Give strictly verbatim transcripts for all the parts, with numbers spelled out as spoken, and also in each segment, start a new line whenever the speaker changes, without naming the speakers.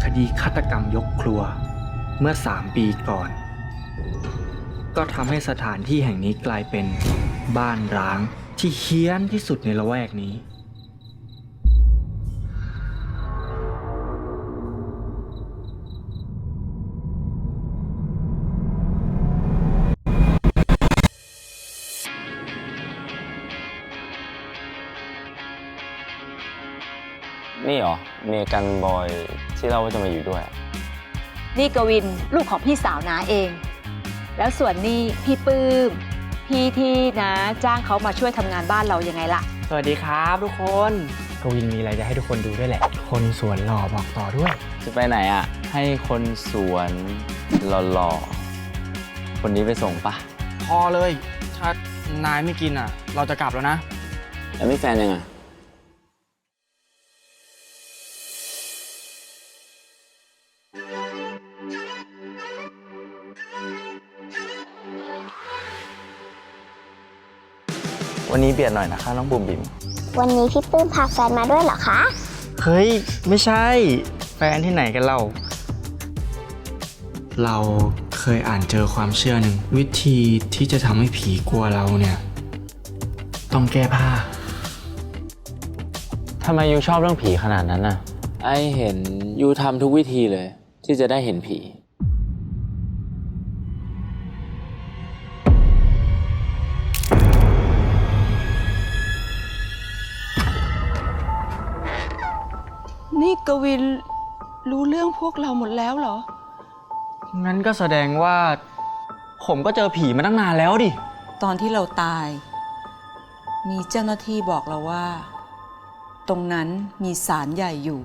คดีฆาตกรรมยกครัวเมื่อสามปีก่อน ก็ทำให้สถานที่แห่งนี้กลายเป็นบ้านร้างที่เฮี้ยนที่สุดในละแวกนี้
นี่เหรอเมกันบอยที่เราว่าจะมาอยู่ด้วย
นี่กวินลูกของพี่สาวน้าเอง แล้วส่วนนี่พี่ปื้มพี่ที่นะจ้างเขามาช่วยทำงานบ้านเรายังไงล่ะ
สวัสดีครับทุกคนกวินมีอะไรจะให้ทุกคนดูด้วยแหละคนสวนหล่อบอกต่อด้วย
จะไปไหนอ่ะให้คนสวนหล่อๆคนนี้ไปส่งปะ
พอเลยถ้านายไม่กินอ่ะเราจะกลับแล้วนะ
แล้วมีแฟนยังไงวันนี้เบียดหน่อยนะคะน้องบุ๋มบิ๋ม
วันนี้พี่ปื้มพาแฟนมาด้วยเหรอคะ
เฮ้ยไม่ใช่แฟนที่ไหนกันเราเราเคยอ่านเจอความเชื่อหนึ่งวิธีที่จะทำให้ผีกลัวเราเนี่ยต้องแก้ผ้า
ทำไมยูชอบเรื่องผีขนาดนั้นน่ะไอเห็นยูทำทุกวิธีเลยที่จะได้เห็นผี
นี่กวินรู้เรื่องพวกเราหมดแล้วเหรอ
งั้นก็แสดงว่าผมก็เจอผีมาตั้งนานแล้วดิ
ตอนที่เราตายมีเจ้าหน้าที่บอกเราว่าตรงนั้นมีศาลใหญ่อยู่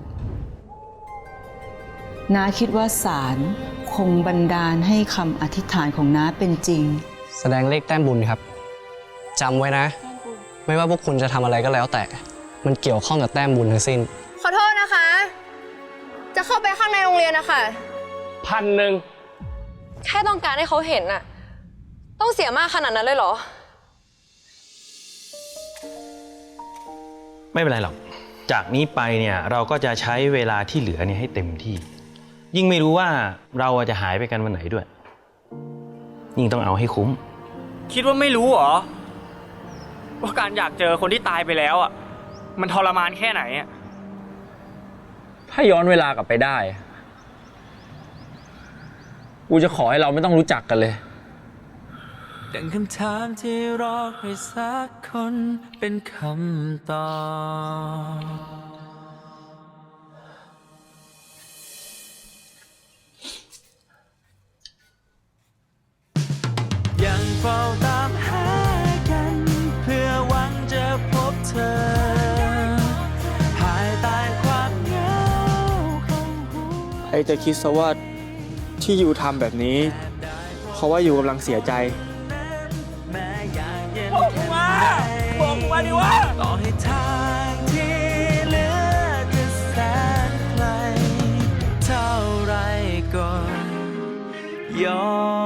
น้าคิดว่าศาลคงบันดาลให้คำอธิษฐานของน้าเป็นจริง
แสดงเลขแต้มบุญครับจำไว้นะไม่ว่าพวกคุณจะทำอะไรก็แล้วแต่มันเกี่ยวข้องกับแต้มบุญทั้งสิ้น
ขอโทษนะคะจะเข้าไปข้างในโรงเรียนนะคะ
พันหนึ่ง
แค่ต้องการให้เขาเห็นน่ะต้องเสียมากขนาดนั้นเลยเหรอ
ไม่เป็นไรหรอกจากนี้ไปเนี่ยเราก็จะใช้เวลาที่เหลือเนี่ยให้เต็มที่ยิ่งไม่รู้ว่าเราจะหายไปกันวันไหนด้วยยิ่งต้องเอาให้คุ้ม
คิดว่าไม่รู้เหรอว่าการอยากเจอคนที่ตายไปแล้วอ่ะมันทรมานแค่ไหนอ่ะ
ถ้าย้อนเวลากลับไปได้กูจะขอให้เราไม่ต้องรู้จักกันเลย
ดังคำถามที่รอใครสักคนเป็นคำตอบยังเฝ้าตามหากันเพื่อหวังจะพบเธอภายใต้ความเหงาของหัว
ไอจะคิดซะว่าที่ยูทำแบบนี้เพราะว่ายูกำลังเสียใจ
บอกกูมาบอกกูมาดิวะต่อให้ทางที่เหลือจะแสนไกลเท่าไรก็ยอม